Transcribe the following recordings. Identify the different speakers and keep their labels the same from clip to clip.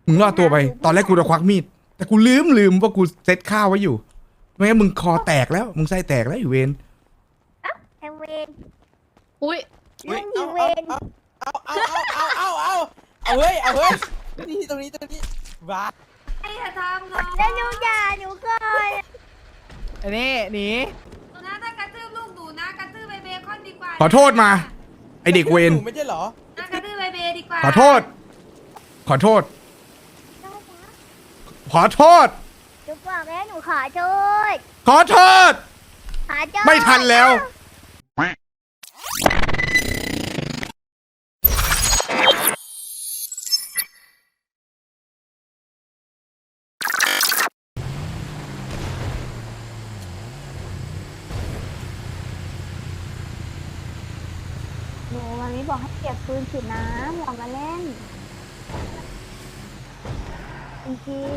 Speaker 1: มึงรอดตัวไปตอนแรกกูจะควักมีดแต่กูลืมว่ากูเซ็ตข้าวไว้อยู่ไม่งั้นมึงคอแตกแล้วมึงไส้แตกแล้วอยู่เวน
Speaker 2: ไอเวน
Speaker 3: อุ้ย
Speaker 2: เรื่องยิงเวน
Speaker 4: เอาเฮ้ยนี่ตรงนี้บ้า
Speaker 5: ไอ้อย่าทำน้อง
Speaker 2: แล้วหนูด่าหนูก่อน
Speaker 4: อันนี้หนี
Speaker 5: นะถ้ากระทืบลูกหนูนะกระทืบเบคอนดีกว่า
Speaker 1: ขอโทษมาไอเด็กเวน
Speaker 4: หนูไม่ใช่เหรอ
Speaker 5: นะกระทืบเบดีกว่า
Speaker 1: ขอโทษ ขอโทษ ขอโทษ
Speaker 2: หนูบอกแล้วหนูขอโทษ
Speaker 1: ขอโทษ
Speaker 2: ขอโทษ
Speaker 1: ไม่ทันแล้ว
Speaker 2: หนูวันนี้บอกให้เก็บปืนฉีดน้ำอย่ามาเล่นจริง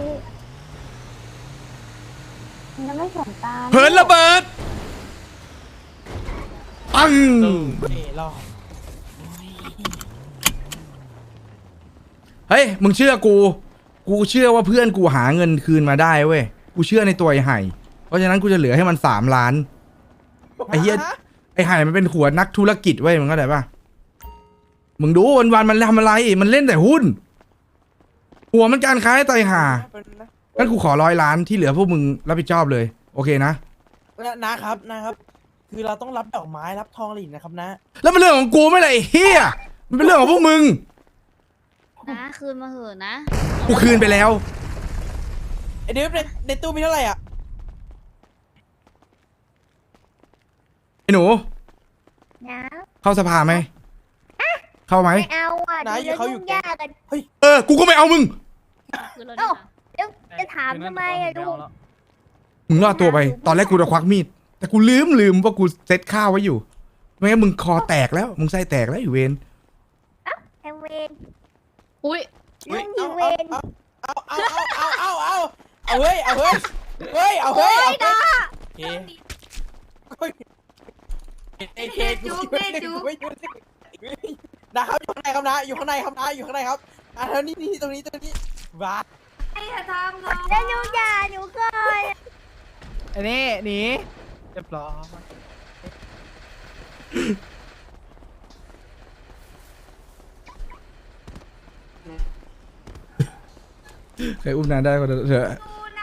Speaker 2: ๆมันจะไม่สนตา
Speaker 1: เผินระเบิดปัง
Speaker 4: รอ
Speaker 1: เฮ้ยมึงเชื่อกูเชื่อว่าเพื่อนกูหาเงินคืนมาได้เว้ยกูเชื่อในตัวไอ้ไห่เพราะฉะนั้นกูจะเหลือให้มัน3 ล้านไอ้เหี้ยไอ้ไห่มันเป็นหัวนักธุรกิจเว้ยมึงเข้าใจปะมึงดูวันมันทำอะไรมันเล่นแต่หุ้นหัวมันการค้าไตห่างั้นกูขอ100 ล้านที่เหลือพวกมึงรับผิดชอบเลยโอเคนะ
Speaker 4: นะครับ คือเราต้องรับดอกไม้รับทองหลินนะครับนะ
Speaker 1: แล้วเป็นเรื่องของกูไม่เลยไอ้เฮียมันเป็นเรื่องของพวกมึง
Speaker 3: นะคืนมาเหอะนะ
Speaker 1: กูคืนไปแล้ว
Speaker 4: ไอเดฟในตู้มีเท่าไหร่อ่ะ
Speaker 1: ไอ้หนู
Speaker 2: นะ
Speaker 1: เข้าสภาไหมเข้าไหม
Speaker 2: ไม่เอาอ่ะ
Speaker 4: นะ
Speaker 2: ดู
Speaker 4: เขา
Speaker 2: แล้ว
Speaker 4: อยู่
Speaker 2: ยุ่งยากกัน
Speaker 1: กูก็ไม่เอามึง
Speaker 3: คืนแล้ว
Speaker 2: เอ้า
Speaker 3: นี่ค่ะ
Speaker 2: แล้วจะถามทำไมอะลูก
Speaker 1: มึงรอดตัวไปตอนแรกกูจะควักมีดแต่กูลืมว่ากูเซ็ตข้าวไว้อยู่ไม่งั้นมึงคอแตกแล้วมึงไส้แตกแล้วอยู่เวน
Speaker 2: ไอเวน
Speaker 3: อุ้ย
Speaker 2: เรื่องยิงเวน
Speaker 4: เอาเฮ้ยโอเคนะครับอยู่ข้างในครับนะอยู่ข้างในครับแล้วนี่ตรงนี้บ้า
Speaker 5: ไอ้อย่าทำน้อง
Speaker 2: แล้วหนูด่าหนูก่อน
Speaker 4: อันนี้หนีเรียบร้อย
Speaker 1: ใครอุ้มนานได้ก็เถอะ
Speaker 5: ดูนะ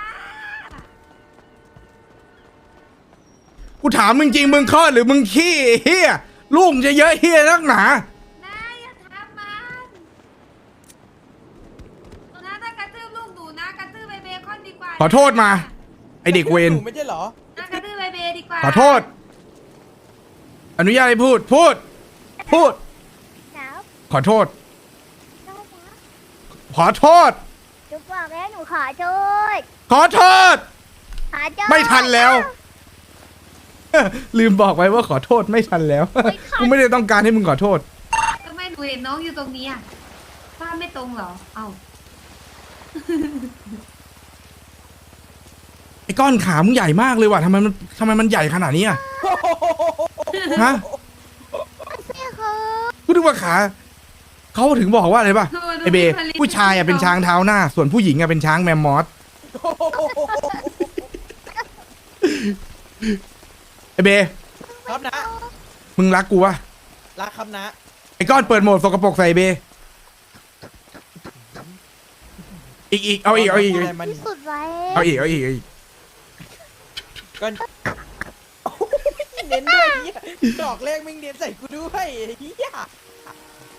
Speaker 1: กูถามมึงจริงมึงคลอดหรือมึงขี้เฮียลูกมึงจะเยอะเฮียนักหนา
Speaker 5: นะอย่าทำมันนะถ้ากระทืบลูกหนูนะกระทืบเบคอนดีกว่า
Speaker 1: ขอโทษมาไอเด็กเวน
Speaker 4: หนูไม่ใช่เหรอ
Speaker 5: นะกระทืบเบดีกว่า
Speaker 1: ขอโทษ อนุญาตให้พูด
Speaker 2: แล้ว
Speaker 1: ขอโทษ ขอโทษ
Speaker 2: หนูบอกแล้วหนูขอโทษ
Speaker 1: ขอโทษ
Speaker 2: ขอโทษ
Speaker 1: ไม่ทันแล้ว ลืมบอกไว้ว่าขอโทษไม่ทันแล้ว กูไม่ได้ต้องการให้มึงขอโทษ
Speaker 5: ทำไมหนูเห็นน้องอยู่ตรงนี้อ่ะภาพไม่ตรงเหรอเอ้า
Speaker 1: ไอ้ก้อนขามึงใหญ่มากเลยว่ะทำไมมันใหญ่ขนาดนี้อ่ะฮะ
Speaker 2: พี่คือ
Speaker 1: กูนึกว่าขาเขาถึงบอกว่าอะไรป่ะไอเบผู้ชายอ่ะเป็นช้างเท้าหน้า ส่วนผู้หญิงอ่ะเป็นช้างแมมมอสไอเบ
Speaker 4: ครับนะ
Speaker 1: มึงรักกูวะ
Speaker 4: รักครับนะ
Speaker 1: ไอ้ก้อนเปิดโหมดสกปรกใส่เบอีกเอาอีก
Speaker 2: ที่สุดไว้
Speaker 1: เอาอีก
Speaker 4: ก็เน้นด้วยเฮียดอกแรกมึงเน้นใส่กูด้วยเฮีย